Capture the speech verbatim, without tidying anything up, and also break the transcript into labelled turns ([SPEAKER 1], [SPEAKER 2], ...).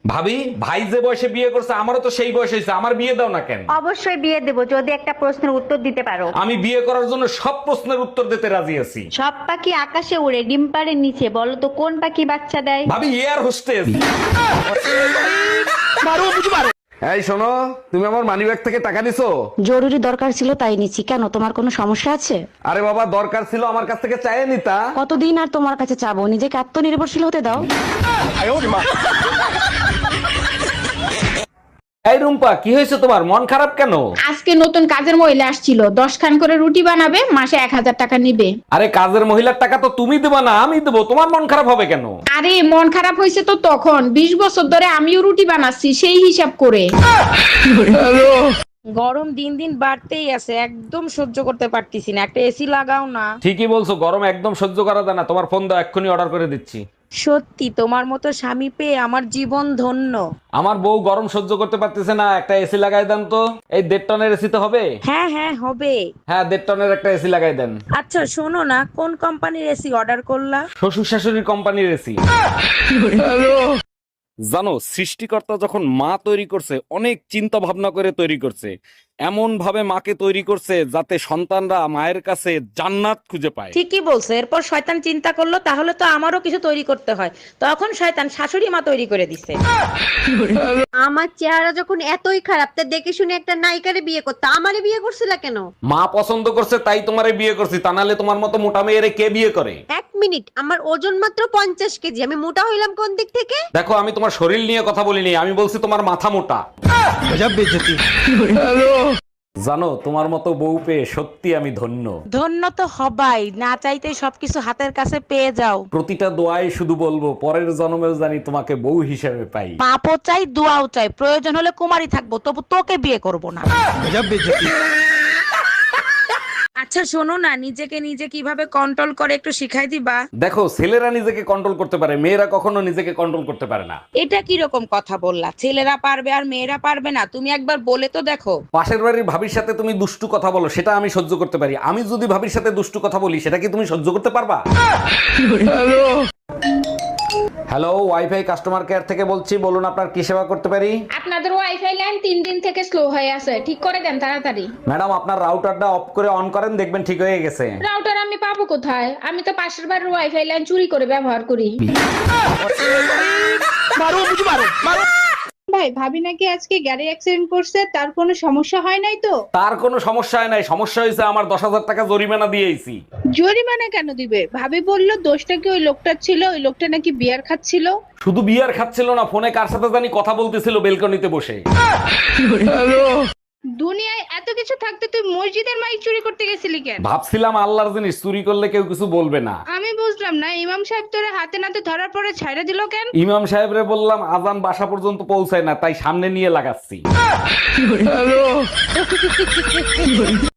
[SPEAKER 1] ভাবি, ভাই যে বয়সে বিয়ে করছে আমারও তো সেই বয়স হয়েছে, আমার বিয়ে দাও না কেন?
[SPEAKER 2] অবশ্যই বিয়ে দেবো যদি একটা প্রশ্নের উত্তর দিতে পারো।
[SPEAKER 1] আমি বিয়ে করার জন্য সব প্রশ্নের উত্তর দিতে রাজি আছি।
[SPEAKER 2] সব পাখি আকাশে উড়ে, ডিম পাড়ে নিচে, বলো তো কোন পাখি বাচ্চা দেয়?
[SPEAKER 1] ভাবি, এয়ার হোস্টেস। এই শোনো, তুমি আমার মানিব্যাগ থেকে টাকা নিছো?
[SPEAKER 3] জরুরি দরকার ছিল তাই নিচ্ছি। কেন, তোমার কোনো সমস্যা আছে?
[SPEAKER 1] আরে বাবা, দরকার ছিল আমার কাছ থেকে চাইয়ে নিতা।
[SPEAKER 3] কতদিন আর তোমার কাছে চাবো? নিজেকে আত্মনির্ভরশীল হতে দাও।
[SPEAKER 1] এই রুম্পা, কি হয়েছে তোমার? মন খারাপ কেন?
[SPEAKER 4] আজকে নতুন কাজের মহিলা আসছিল, দশ খান করে রুটি বানাবে, মাসে এক হাজার টাকা নিবে।
[SPEAKER 1] আরে কাজের মহিলার টাকা তো তুমি দেবা না, আমি দেবো। তোমার মন খারাপ হবে কেন?
[SPEAKER 4] আরে মন খারাপ হয়েছে তো তখন, বিশ বছর ধরে আমিও রুটি বানাচ্ছি সেই হিসাব করে।
[SPEAKER 5] গরম দিন দিন বাড়তেই আছে, একদম সহ্য করতে পারতেছি না, একটা এসি লাগাও না।
[SPEAKER 1] ঠিকই বলছো, গরম একদম সহ্য করা যায় না। তোমার ফোন দাও, এক্ষুনি অর্ডার করে দিচ্ছি।
[SPEAKER 5] সত্যি তোমার মতো স্বামী পেয়ে আমার জীবন ধন্য।
[SPEAKER 1] আমার বউ গরম সহ্য করতে পারতেছে না, একটা এসি লাগাই দেন তো। এই দেড় টনের এসি তো হবে?
[SPEAKER 5] হ্যাঁ হ্যাঁ হবে।
[SPEAKER 1] হ্যাঁ, দেড় টনের একটা এসি লাগাই দেন।
[SPEAKER 5] আচ্ছা শোনো না, কোন কোম্পানির এসি অর্ডার করলা?
[SPEAKER 1] শ্বশুর শাশুড়ির কোম্পানির এসি। জানো, সৃষ্টিকর্তা যখন মা তৈরি করছে অনেক চিন্তা ভাবনা করে তৈরি করছে। এমন ভাবে মাকে তৈরি করছে যাতে সন্তানরা মায়ের কাছে জান্নাত খুঁজে পায়।
[SPEAKER 5] ঠিকই বলছো। এরপর শয়তান চিন্তা করলো তাহলে তো আমারও কিছু তৈরি করতে হয়, তখন শয়তান শাশুড়ি মা তৈরি করে দিছে।
[SPEAKER 2] আমার চেহারা যখন এতই খারাপ, তা দেখে শুনে একটা নায়িকারে বিয়ে করতে আমারে বিয়ে করছিলা কেন?
[SPEAKER 1] মা পছন্দ করছে তাই তোমারে বিয়ে করছি, তা নাহলে তোমার মতো মোটা মেয়েরে কে বিয়ে করে?
[SPEAKER 2] এক মিনিট, আমার ওজন মাত্র পঞ্চাশ কেজি, আমি মোটা হইলাম কোন দিক থেকে?
[SPEAKER 1] দেখো, আমি তোমার শরীর নিয়ে কথা বলিনি, আমি বলছি তোমার মাথা মোটা। জানো, তোমার মতো বউ পেয়ে সত্যি আমি ধন্য।
[SPEAKER 5] ধন্য তো হবাই, না চাইতে সবকিছু হাতের কাছে পেয়ে যাও।
[SPEAKER 1] প্রতিটা দোয়ায় শুধু বলবো, পরের জন্মেও জানি তোমাকে বউ হিসেবে পাই।
[SPEAKER 5] পাপও চাই, দোয়াও চাই, প্রয়োজন হলে কুমারী থাকবো, তবু তোকে বিয়ে করব না। আচ্ছা শোনো না, নিজেকে নিজে কিভাবে কন্ট্রোল করে একটু শিখাই দিবা?
[SPEAKER 1] দেখো, ছেলেরা নিজেকে কন্ট্রোল করতে পারে, মেয়েরা কখনো নিজেকে কন্ট্রোল করতে পারে না।
[SPEAKER 5] এটা কি রকম কথা বললা? ছেলেরা পারবে আর মেয়েরা পারবে না? তুমি একবার বলে তো দেখো।
[SPEAKER 1] পাশের বাড়ির ভাবির সাথে তুমি দুষ্টু কথা বলো, সেটা আমি সহ্য করতে পারি। আমি যদি ভাবির সাথে দুষ্টু কথা বলি, সেটা কি তুমি সহ্য করতে পারবা? হ্যালো, ওয়াইফাই কাস্টমার কেয়ার থেকে বলছি, বলুন আপনার কি সেবা করতে পারি?
[SPEAKER 4] আপনাদের ওয়াইফাই লাইন তিন দিন থেকে স্লো হয়ে আছে, ঠিক করে দেন তাড়াতাড়ি।
[SPEAKER 1] ম্যাডাম, আপনার রাউটারটা অফ করে অন করেন, দেখবেন ঠিক হয়ে গেছে।
[SPEAKER 4] রাউটার আমি পাবো কোথায়? আমি তো পাশের বাড়ির ওয়াইফাই লাইন চুরি করে ব্যবহার করি। ভাই, ভাবি নাকি আজকে গাড়ি অ্যাক্সিডেন্ট করছে, তার কোনো সমস্যা হয় নাই তো?
[SPEAKER 1] তার কোনো সমস্যা হয় নাই, সমস্যা হয়েছে আমার দশ হাজার টাকা জরিমানা দিয়েছি।
[SPEAKER 4] জরিমানা কেন দিবে? ভাবি বললো দোষটা কি ওই লোকটার ছিল, ওই লোকটা নাকি বিয়ার খাচ্ছিল।
[SPEAKER 1] শুধু বিয়ার খাচ্ছিল না, ফোনে কার সাথে জানি কথা বলতেছিল বেলকনিতে বসে।
[SPEAKER 4] দুনিয়ায় এত কিছু থাকতে তুই মসজিদের মাইক চুরি করতে গেছিলি কেন?
[SPEAKER 1] ভাবছিলাম আল্লাহর জিনিস চুরি করলে কেউ কিছু বলবে না।
[SPEAKER 4] আমি বুঝলাম না, ইমাম সাহেব তোরে হাতে নাতে ধরার পরে ছাইড়া দিল কেন?
[SPEAKER 1] ইমাম সাহেবরে বললাম আজান বাসা পর্যন্ত পৌঁছায় না, তাই সামনে নিয়ে লাগাচ্ছি।